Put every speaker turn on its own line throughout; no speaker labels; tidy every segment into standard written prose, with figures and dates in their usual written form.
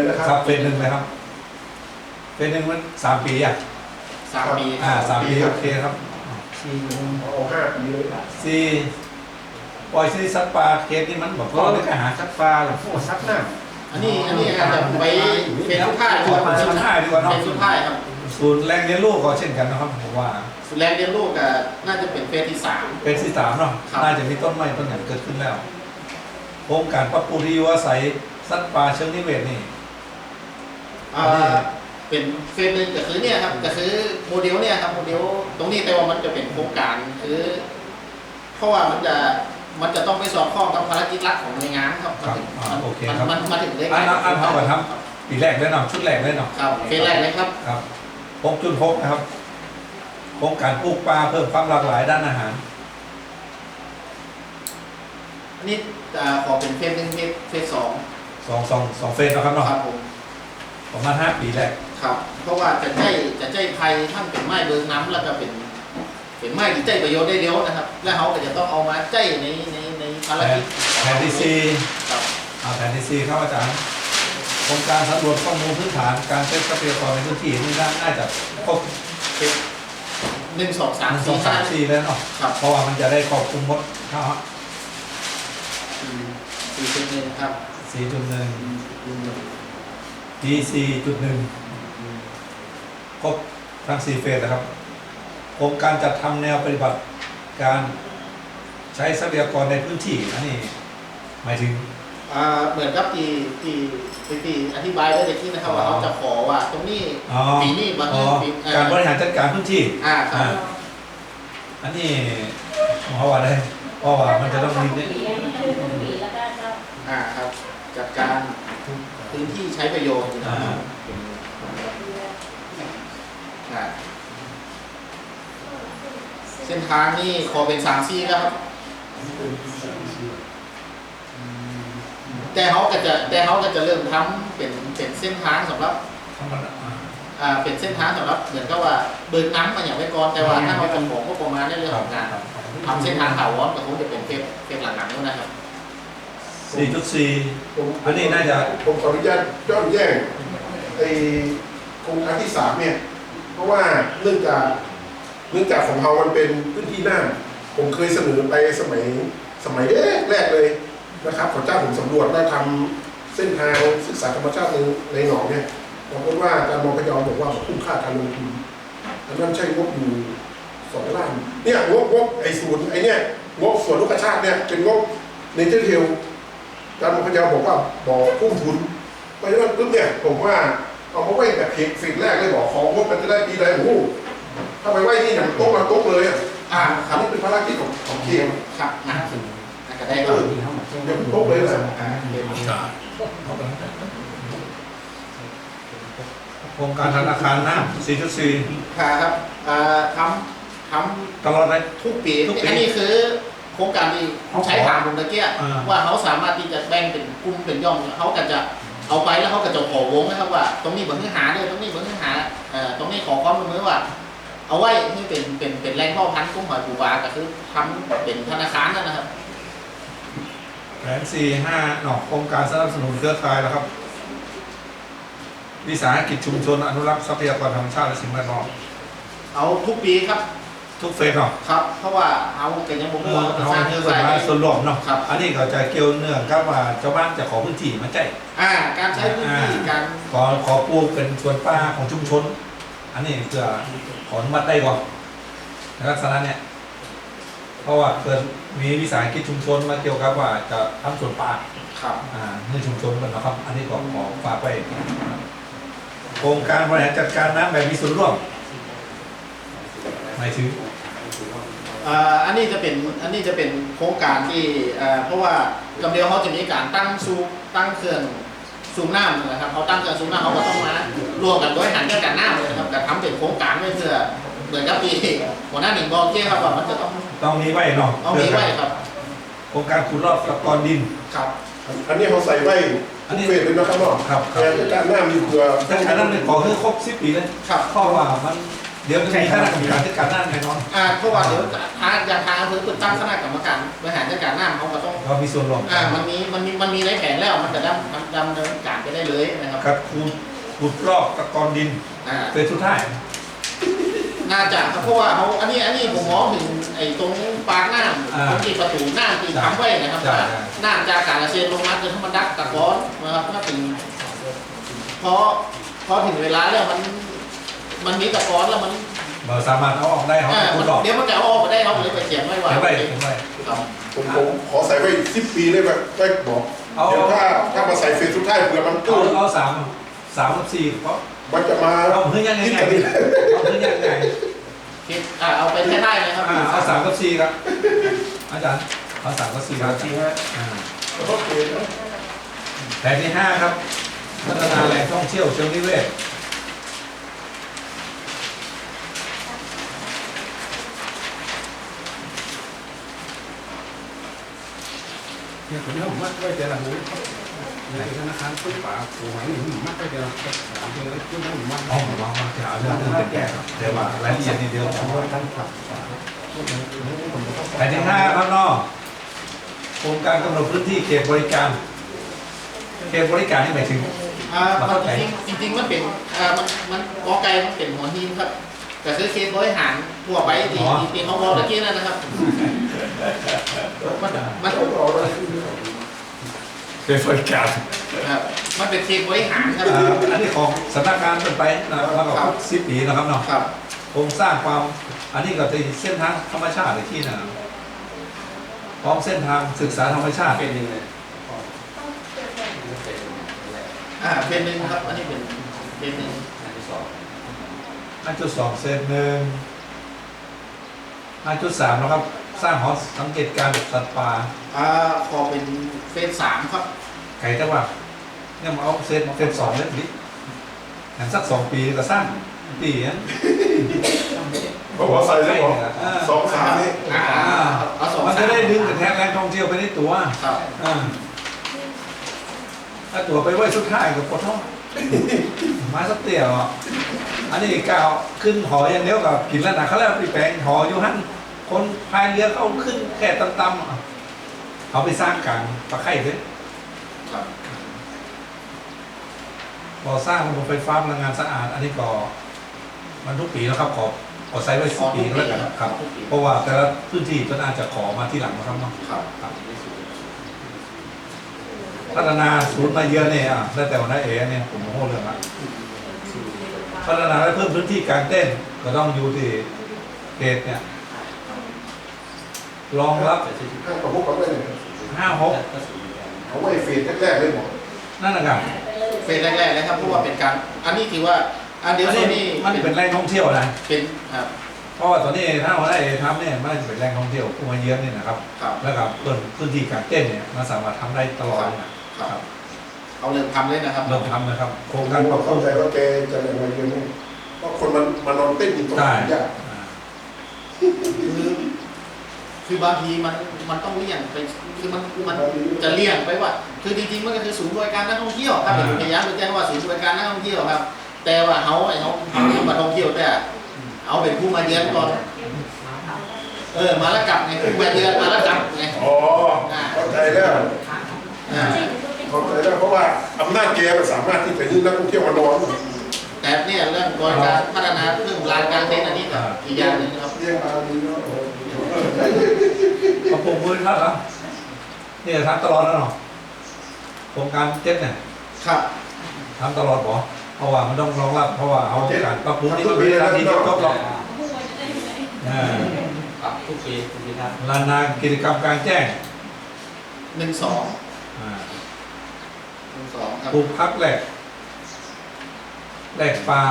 นะครับเฟสหนึ่งนะครับเฟสหนึ่งมัน3 ปีอ่ะ
3 ปี
3 ปีโอเคครับ
เอา5 ปีเลย
สี่ปล่อยซีซัดปลาเคสนี่มันบอกว่าไม่กล้าหาซัดปลาหรอก
โอ้ซักหน้า
อันนี้อาจจะไปเป็นสุดท้ายดีกว่า
สุดท้ายดีกว่าเนาะ
เป็นสุดท้ายครับ
ศูนย์แรงเลี้ยงลูกก็เช่นกันนะครับผมว่า
สุดแรงเรียนลูกก็น่าจะเป็นเฟสที่3
เป็นที่3เนาะน่าจะมีต้นไม้ต้นหนึ่งเกิดขึ้นแล้วโครงการปรับปรุงที่อยู่อาศัยสัตว์ป่าเชิงนิเวศนี่
เป็นเฟสหนึ่งก็คือเนี่ยครับก็คือโมเดลเนี่ยครับโมเดลตรงนี้แต่ว่ามันจะเป็นโครงการคือเพราะว่ามันจะต้องไปสอดคล้องกับภารกิจหลักของหน่วยงานครับ
โอเคครับ
มันมาถึงได้ไง
อันเท่ากับทำปีแรกเลยเนาะชุดแรกเลยเนาะ
ครับเฟสแรกเลยครับ
ครับ6.6นะครับโครงการปลูกปลาเพิ่มความหลากหลายด้านอาหาร
อันนี้ขอเป็นเฟสหนึ่งเฟส2
2เฟสนะครับเนาะ
ครับผม
ประมาณ5 ปีแรก
ครับเพราะว่าจะใจไผ่ท่านเป็นไม้เบิงน้ำแล้วก็เป็นไม้ที่ใจประโยชน์ได้เร็วนะครับแล้วเขาก็จะต้องเอามาใจในภารกิจ
แผนที่
4ครับ
แผนที่4ครับอาจารย์โครงการสำรวจข้อมูลพื้นฐานการใช้ทรัพยากรในพื้นที่นี่น่าจะครบ
1 2 3 4
4แล้วเนาะเพราะว่ามันจะได้ครอบคลุมหมดครับ
4.1ครับ
4.1 D4.1 ครบทั้ง4เฟสนะครับโครงการจัดทำแนวปฏิบัติการใช้ทรัพยากรในพื้นที่อันนี้หมายถึง
เหมือนกับที่อธิบายได้ในที่นะครับว่าเขาจะขอว่าตรงนี้ปีนี้บาง
ปีการบริหารจัดการพื้นที่
ครับ
อันนี้เพราะว่าได้เพราะว่ามันจะต้องมี
ครับจัดการพื้นที่ใช้ประโยชน์เส้นทางนี่ขอเป็น3 ซี่ครับแต่เขาก็จะเริ่มทำเป็นเส้นทางสำหรับเป็นเส้นทางสำหรับเหมือนกับว่าเบิกน้ำมาอย่างไว้ก่อนแต่ว่าถ้าเราจะบอกก็ประมาณในเรื่องของการทำเส้นทางถาวรก็คงจะเป็นเฟสหลังๆนู้นนะครับ
4.4 อันนี้น่าจะ
ผมขออนุญาตย้อนแย้งโครงการที่3เนี่ยเพราะว่าเนื่องจากของเรามันเป็นพื้นที่น่านผมเคยเสนอไปสมัยแรกเลยนะครับขอเจ้าผมสำรวจแล้วทำเส้นทางศึกษาธรรมชาติในหนองเนี่ยปรากฏว่าอาจารย์มองพยอมบอกว่าคุ้มค่าการลงทุนอันนั้นใช่งบอยู่2 ล้านเนี่ยงบศูนย์เนี่ยงบส่วนลูกชาติเนี่ยเป็นงบในเจอร์เทลอาจารย์มองพยอมบอกว่าบอกคุ้มทุนเพราะฉะนั้นปุ๊บเนี่ยผมว่าเอามาไว้แบบฟิกแรกเลยบอกของงบมันจะได้ปีใดโอ้ถ้าไปไว้นี่อย่างโต๊ะมาโต๊ะเลยครับนี่เป็นภารกิจของเคียง
ครับก็ได้ก็
ยังโต๊ะเลยนะ
โครงการธนาคารน้ำ 4.4
ครับทำ
ตลอดเลย
ทุกปีอันนี้คือโครงการที่ใช้ถามผมตะเกียว่าเขาสามารถที่จะแบ่งเป็นกลุ่มเป็นย่อมเขาก็จะเอาไปแล้วเขาก็จะขอวงนะครับว่าตรงนี้เบอร์เนื้อหาด้วยตรงนี้เบอร์เนื้อหาตรงนี้ขอความร่วมมือว่าเอาไว้ที่เป็นแรงพ่อพันธุ์กุ้งหอยปูปลาก็คือทำเป็นธนาคารนั่นนะครับ
แผน 4.5 โครงการสนับสนุนเครือข่ายแล้วครับวิสาหกิจชุมชนอนุรักษ์ทรัพยากรธรรมชาติและสิ่งแวดล้อม
เอาทุกปีครับ
ทุกเฟสเนาะ
ครับเพราะว่าเอาเกิดยังบ่
เอาเนื้อมาส่วนรวมเนาะอันนี้ก็จะเกี่ยวเนื่องกับว่าเจ้าบ้านจะขอพื้นที่มาใจ
การใช้พื้นที่การ
ขอปลูกเป็นสวนป่าของชุมชนอันนี้เพื่อขออนุมัติได้ก่อนในลักษณะเนี้ยเพราะว่าเกิดมีวิสาหกิจชุมชนมาเกี่ยวกับว่าจะทำสวนป่า
ครับ
ในชุมชนมันนะครับอันนี้ขอฝากไว้โครงการบริหารจัดการน้ำแบบมีส่วนร่วมหมายถึง
อันนี้จะเป็นโครงการที่เพราะว่ากำเดียวเขาจะมีการตั้งเครื่องสูบน้ำนะครับเขาตั้งเครื่องสูบน้ำเขาก็ต้องมารวมกันด้วยหันเรื่องการน้ำเลยนะครับแต่ทำเป็นโครงการไว้เพื่อเหมือนกับปีหัวหน้าหนึ่งบอกเจ้ครับว่ามันจะ
ต้องมีไว้เนาะ
ต้องมีไว้ครับ
โครงการขุดลอกตะกอนดิน
ครับอันนี้เขาใส่ไว้ทุกเฟสเลยนะครับเนาะ
ครับ
การน้ำอยู่เพื่อ
แต่การน้ำเนี่ยขอคือครบ10 ปีเลย
ครับ
เพราะว่ามันเดี๋ยวจะมีคณะกรรมการจัดการน้ำแน่นอน
เพราะว่าเดี๋ยวทางอำเภอเปิดตั้งคณะกรรมการบริหารจัดการน้ำเขาก็ต้อง
เรามีส่วนร่วม
มันมีในแผนแล้วมันจะดำเนินการไปได้เลยนะครับ
ครับขุดรอบตะกอนดิน เฟสสุดท้าย
น่าจะครับเพราะว่าเขาอันนี้ผมมองถึงไอ้ตรงปากน้ำตรงที่ประตูน้ำที่ทำไว้นะครับว่าน้ำจากการเกษตรลงมาจนทั้งมันดักตะกอนนะครับถ้าถึงพอถึงเวลาแล้วมันมีตะกอนแล้วมัน
เราสามารถเอาออกได้เขาขุดรอบ
เดี๋ยวมันจะเอาออกมาได้เขาเลยไปเขียนไว้ว่า
เขียนไว้เขียนไว้
ครับ
ผมขอใส่ไว้10 ปีได้ไหมได้บอกเดี๋ยวถ้ามาใส่เฟสสุดท้ายเผื่อมันตู้
เอา3 กับ 4เพราะ
มันจะมา
เอาเพื่อยังไง
คิดกันนี่
เอาเพื่อยังไง
คิดเอาไปแค่ได้เลยครับ
เอา3 กับ 4ครับอาจารย์เอา3 กับ 4ครับ
โอเคนะ
แผนที่ 5 ครับพัฒนาแหล่งท่องเที่ยวเชิงนิเวศ
เนี่ยผมเอามัดไว้แต่ละหูในธนาคารต้นป่าโอ้โหนี่มัดไว้แต่ละถามเจอแล้วก็ต้องมัด
อ๋อมาจะเอาเรื่องเป็นแก้ครับเดี๋ยวว่ารายละเอียดนิดเดียว
ตั้งขับ
แผนที่ 5 ครับน้องโครงการกำหนดพื้นที่เขตบริการ เขตบริการนี่หมายถึง
จริงมันเป็นมันกอไก่มันเป็นหัวหินครับแต่คือเคสบริหารทั่วไปที่เขาบอกตะกี้นั่นนะครับมัน
เขตบริการ
มันเป็นเคสบริหารครับ
อันนี้ของสำนักงานเป็นไปนะครับแล้วก็10 ปีนะครับเนาะ
ครับ
โครงสร้างความอันนี้ก็จะเส้นทางธรรมชาติที่นะพร้อมเส้นทางศึกษาธรรมชาติ
เป็นยังไง
เป็นหนึ่งครับอันนี้เป็นหนึ่ง
5.2 เซนหนึ่ง 5.3 นะครับ สร้างหอสังเกตการณ์สัตว์ป่า
ขอเป็นเฟส3ครับ
ไก่แต่ว่าเนี่ยมาเอาเซน2เล่นดิอย่างสัก2 ปีก็สร้างปีนั้น
เพราะว่าใส่แล้วบอก2-3นี่
เอาสอง
มันจะได้ดึงกระแทกแรงท่องเที่ยวไปในตัว
ครับ
ถ้าตัวไปไว้สุดท้ายกับปวดท้องมาสักเตี่ยวอันนี้กาวขึ้นหออย่างเดียวกับกินแล้วนะเขาแล้วไปแปลงหออยู่หันคนพายเรือเขาขึ้นแค่ต่ำๆเขาไปสร้างกลางตะไคร่เลย
ครับ
พอสร้างระบบไฟฟ้าพลังงานสะอาด อันนี้ก็มันทุกปีแล้วครับขอไซส์ไว้10 ปีแล้วกันครับ เพราะว่าแต่ละพื้นที่ก็น่าจะขอมาที่หลังนะครับเนาะ
ครับ
พัฒนาศูนย์มาเยือนเนี่ยได้แต่วันนั้นเนี่ยผมโม้เรื่องละพัฒนาและเพิ่มพื้นที่การเต้นก็ต้องอยู่ที่เขตเนี่ยรองรับ
ห้างประมุขเขาไว้เนี่ย
5-6
เอาไว้เฟสแรกๆเลยหมอ
นั่นนะครับ
เฟสแรกๆเลยครับเพราะว่าเป็นการอันนี้ถือว่าเดี๋ยว
อัน
ส่วน
นี้
นี้
มันเป็นแหล่งท่องเที่ยวนะ
เป็นครับ
เพราะว่าตอนนี้ถ้าวันนั้นทำเนี่ยมันจะเป็นแหล่งท่องเที่ยวผู้มาเยือนเนี่ยนะครับ
ครับ
แล้วก็เพิ่มพื้นที่การเต้นเนี่ยมันสามารถทำได้ตลอดนะครับ
เอาเริ่มทำเลยนะครับ
เริ่มทำนะครับโครง
กา
การ ร
เข้าใจว่าแกจะอะไรมาเยอะนี่เพราะคนมันมานอนเต้นอยู่ตรง
ได้
นี้ยาก
คือบางทีมันต้องเลี่ยงไปคือมันจะเลี่ยงไปว่า คือจริงๆมันก็คือศูนย์บริการนักท่องเที่ยวครับเป็นพยายามแจ้งว่าศูนย์บริการนักท่องเที่ยวครับ แต่ว่าเขามาท่องเที่ยวแต่เอาเป็นผู้มาเยือนก่อนมาแล้วกลับไงผู้มาเยือนมาแล้วกลับไง
อ๋อเข้าใจแล้ว
อ่า
เข้าใจแล้วเพราะว่าอำนาจแกมันสามารถที่จะยึดนักท่องเที่ยวมานอน
แต่เนี่ยเรื่องบริการพัฒนาเรื่องลานกลางเต็นท์อันนี้ก็อีกอย่างหนึ่งนะครับ
เรียกมาดีเนาะ
ปรับปรุงพื้นครับนี่ทำตลอดแล้วเนาะโครงการเจ็ดเนี่ย
ครับ
ทำตลอดบ่เพราะว่ามันต้องรองรับเพราะว่าเอาการปรับปรุงนี่ก็มีนาทีจบหรอก
ปรับทุกปีทุกปีครับ
ลานนากิจกรรมกลางแจ้ง
12
อ่า
ครับ
ปลูกพักแหลกปลา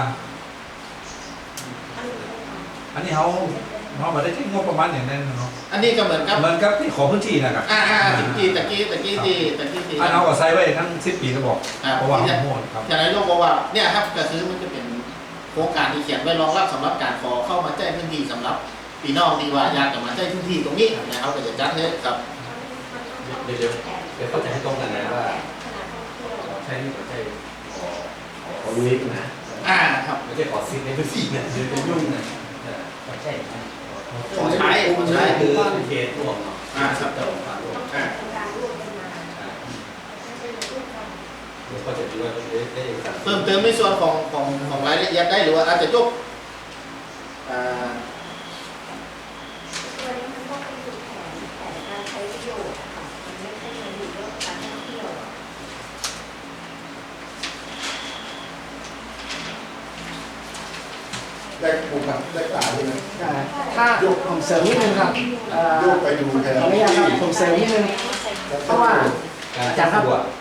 อันนี้เขามาได้ที่งบประมาณอย่างนั้นเนาะ
อันนี้ก็เหมือนกับ
เหมือนกับที่ขอพื้นที่นะครับ
ตะกี้ที่
อันเอาก็ใส่ไว้ทั้ง10 ปีก็บอกเพราะว่าโหดครับ
อย่างไรโลกบอกว่าเนี่ยครับก็คือมันจะเป็นโครงการที่เขียนไว้รองรับสำหรับการขอเข้ามาแจ้งพื้นที่สำหรับพี่น้องที่ว่าอยากจะมาแจ้งพื้นที่ตรงนี้นะครับก็จะจัดให้ครับ
เดี๋ยวเข้าใจให้ตรงกันนะว่าใช่นี่ใช่ของนี้นะ
ครับ
ไม่
จะขอซิกในพื้นที่เนี่ยจะยุ่งนะใช่
ของใช้
คือเขตรวมเนาะ
ครับ
จะลงผ่านรวมก็จะดูว่าได้เอกสาร
เพิ่มเติมในส่วนของรายละเอียดได้หรือว่าอาจจะยก
ตัวนี้มันก็เป็นจุดแผนการใช้ประโยชน์ค่ะมันไม่ใช่เงินอยู่เรื่องการท่องเที่ยว
ได้ปลูกผักได้ป่าด้วยนะ
ถ้าผมเสริมนิดนึงครับ
โยกไปดูแทน
ขออนุญาตครับผมเสริมนิดนึง เพราะว่า
การ
ครับ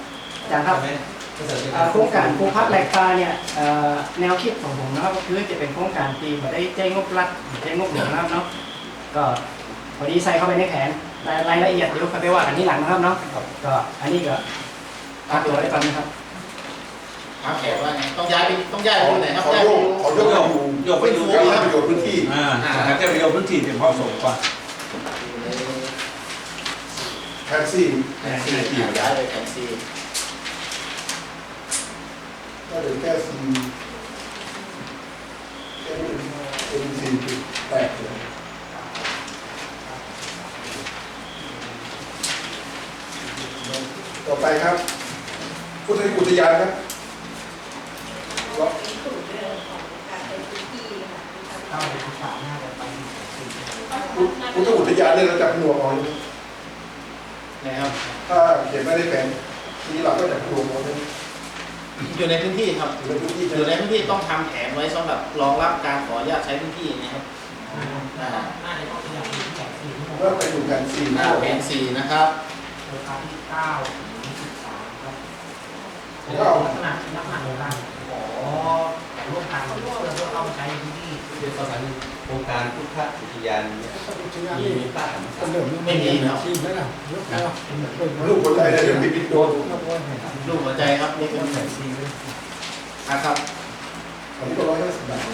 โครงการภูพัฒน์แหลกปลาเนี่ยแนวคิดของผมนะครับก็คือจะเป็นโครงการที่ไม่ได้แจ้งงบรัฐแจ้งงบหลวงนะครับเนาะก็พอดีใส่เข้าไปในแผนรายละเอียดเดี๋ยวไปว่ากันที่หลังนะครับเนาะก็อันนี้ก็พักตัวไว้ก่อนนะครับ
แขกว่าไงต้องย้ายไปที่ไหนครับ
ขอ
ย้าย
โย
ไป
กโยกไปดูการประโยชน์พื้นที่
หาแค่ประโยชน์พื้นที่ที่เหมาะสมกว่า
แท็กซี่
แผนซีย้ายไปแผนซี
ก็เหลือแค่ซีแค่นี้เป็น4.8เลยต่อไปครับพุทธอุทยานครับ
สูตรเดิมของการเป็นพื้นที่ค่ะ
พุทธอุทยานเนี่ยเราจับหน่วงเอา
นะครับ
ถ้าเขียนไม่ได้แผนนี้เราก็จับหน่วงเอาเลย
อยู่ในพื้นที่ครับ
อยู่ในพื้นที่
อยู่ในพื้นที่ต้องทำแผนไว้สำหรับรองรับการขออนุญาตใช้พื้นที่นะครับ
เมื่อไปดูแผนซี
แผนซีนะครับ
ก็
เป็นภาษาโครงการพุทธอุทยานมีป้าธรรมศาสตร์
ไม่มีครับ
ลูกคนใจได้เดี๋ยวปิดโดน
รูปหัวใจครับนี่เป็นแผนซีนะครับ
อันนี้ก็150 บาท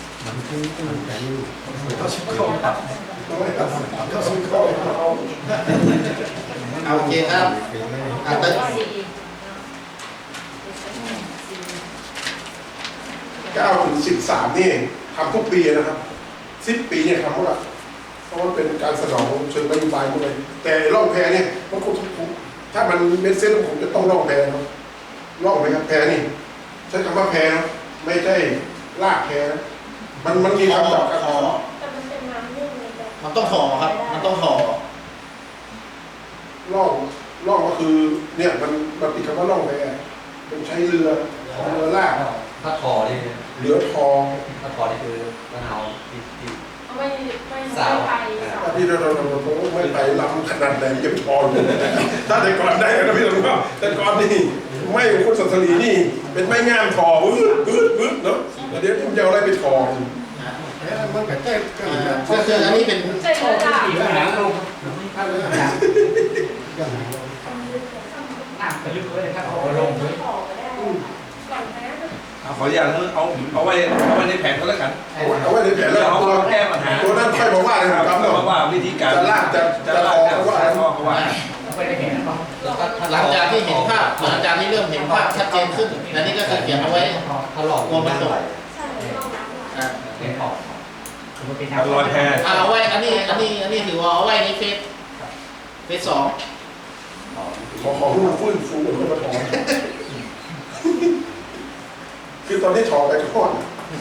เขาชิมเข้าครับ
ก็ซื้อเข้า
โอเคครับตึก
9 ถึง 13นี่ทำทุกปีนะครับ10 ปีเนี่ยทำหมดละเพราะมันเป็นการสนองเชิงนโยบายหมดเลยแต่ร่องแพเนี่ยมันคงทุกถ้ามันเม็ดเส้นผมจะต้องร่องแพนะร่องไหมครับแพนี่ใช้คำว่าแพนะไม่ใช่ลากแพนะมันมีคำจากคอ
แต่มันเป็นน้ำนึ่งเลยแต่
มันต้องห่อครับ มันต้องห่อ
ร่องก็คือเนี่ยมันติดคำว่าร่องแพเป็นใช้เรือลาก
ถ้าทอนี่
เหลือทอง
ถ้าทอนี่คือมะนาวที่
ไม่ไป
ที่เราไม่ไปล้ำขนาดไหนยังพออยู่ถ้าแต่ก่อนได้นะพี่ตำรวจแต่ก่อนนี่ไม่คุณสัตรีนี่เป็นไม้งามทอวืดเนาะเดี๋ยวจะเอาอะไรไปทอ
มันก็แจ้ง
ก็คืออันนี้เป็น
ใช่ค่ะ
อีกหางลง
ไปลึกเลยถ้าเอาลงต่อก็ได้ก่อนนะ
ขออย่างนึงเอาไว้ในแผนก็แล้วกัน
เอาไว้ในแผนแล้ว
เอาแก้ปัญหา
ตัวนั้นค่อยมาว่าเลยครับ
เพราะว่าวิธีการ
จะลากจะทอเขาว่า
เขาว่า
หลังจากที่เห็นภาพหลังจากที่เริ่มเห็นภาพชัดเจนขึ้นอันนี้ก็คือเขียนเอาไว้
ถ้าหลอก
กลัวมันตก
ใช่ลองรับหลัก
เป็นออก
ลอยแพ
เอาไว้อันนี้ถือว่าเอาไว้ในเฟส2
ของลูกฟื้นฟูขึ้นมาทอคือตอนที่ทอไปทอด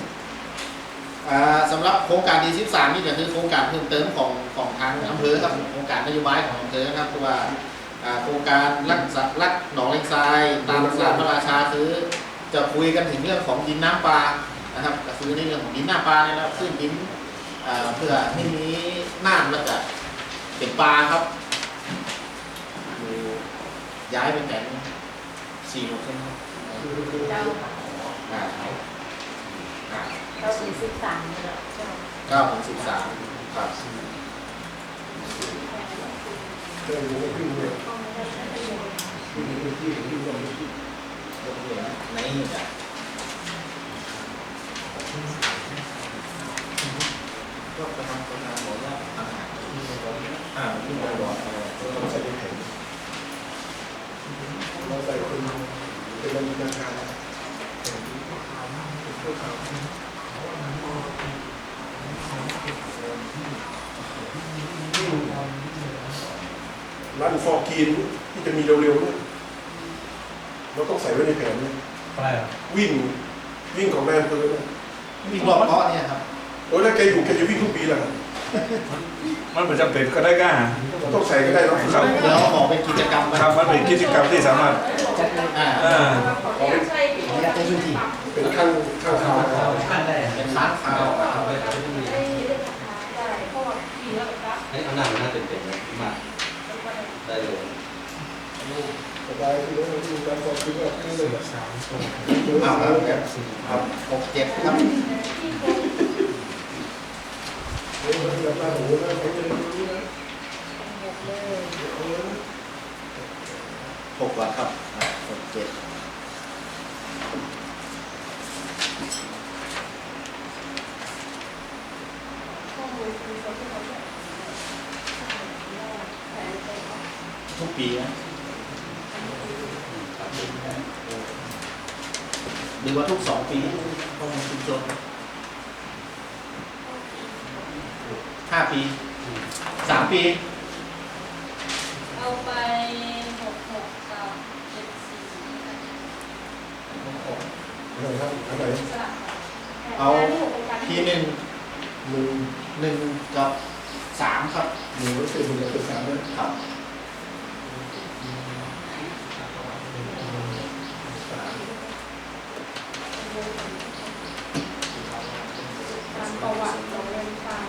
สำหรับโครงการดี13นี่ก็คือโครงการเพิ่มเติมของทางอำเภอครับโครงการนโยบายของอำเภอครับคือว่าโครงการรักหนองเลงทรายตามสารพระราชาคือจะคุยกันถึงเรื่องของดินน้ำปลานะครับก็คือในเรื่องของดินน้ำปลาเนี่ยนะขึ้นดินเพื่อให้มีน้ำแล้วก็เป็นปลาครับย้ายไปแต่ง4 โลเส้นครับ
เจ้า เรา43เนี่ยเจ้า
9 ถึง 13ครับ
เดินลงขึ้นเลย
ต้องไม่ได้ใช้ประโยชน์
ในนี่จ้ะก็ประมาณบอกว่าอาหารที่บริบท
ต้องใส่ในแผนเราใส่เป็นราคาร้านฟอร์กินที่จะมีเร็วๆเนี่ยเราต้องใส่ไว้ในแผนเนี่ย
อะไรอ่ะ
วิ่งของแม่อำเภอเนี่ย
มีรอบเกาะเนี่ยครับ
โอ้ยแล้วแกอยู่แกจะวิ่งทุกปีแหละ
มันเป็นจำเป็นก็ได้ก้า
ต้องใส่ก็ได้เนาะ
ครับ
แล้วขอเป็นกิจกรรม
ครับมันเป็นกิจกรรมที่สามารถ
จัดใน
อ่า
ขออนุญาตในพื้นที่
เป็นข้างข่าว
ขั้นได้
เป็นค้างคาว
เอาไปเอาไปที่นี่
ได้เพราะว่าปีแล้วครับ
ให้เอาหน้ามันน่าเป็นๆนะมากได้เลย
สบายที่เราดูการฟอร์กินก็คือเลย
เอาครับ6-7ครับ
โอ้ยแบบว่าโอ้โหนะเขาจะรู้นะ
6 วันครับ6-7ทุกปีนะหรือว่าทุก2 ปีข้อมูลชุมชน5 ปี 3 ปี
เอาไป66กับ74
อะไรครับอะไร
เอาที1 กับ 3 ครับ
หนึ่งร้อยสี่สิบหนึ่งสามนะครับ
ตามประวัติของเรือนจำ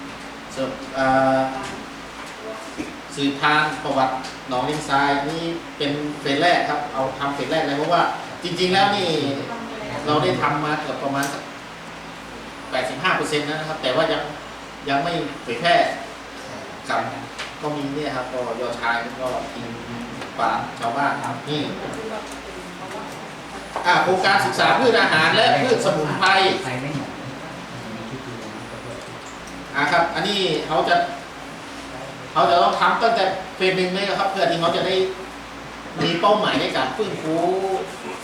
สืบทางประวัติหนองเลงทรายนี่เป็นเฟสแรกครับ เอาทำเฟสแรกเลยเพราะว่าจริง ๆ แล้วนี่เราได้ทำมาเกือบประมาณสัก 85% นะครับ แต่ว่ายังไม่เผยแพร่กับก็มีเนี่ยครับก็ยอชายก็กินป่าชาวบ้านครับนี่โครงการศึกษาพืชอาหารและพืชสมุนไพร
ใครไม่หมด
ครับ อันนี้เขาจะต้องทำตั้งแต่เฟส 1เลยนะครับ เพื่อที่เขาจะได้มีเป้าหมายในการฟื้นฟู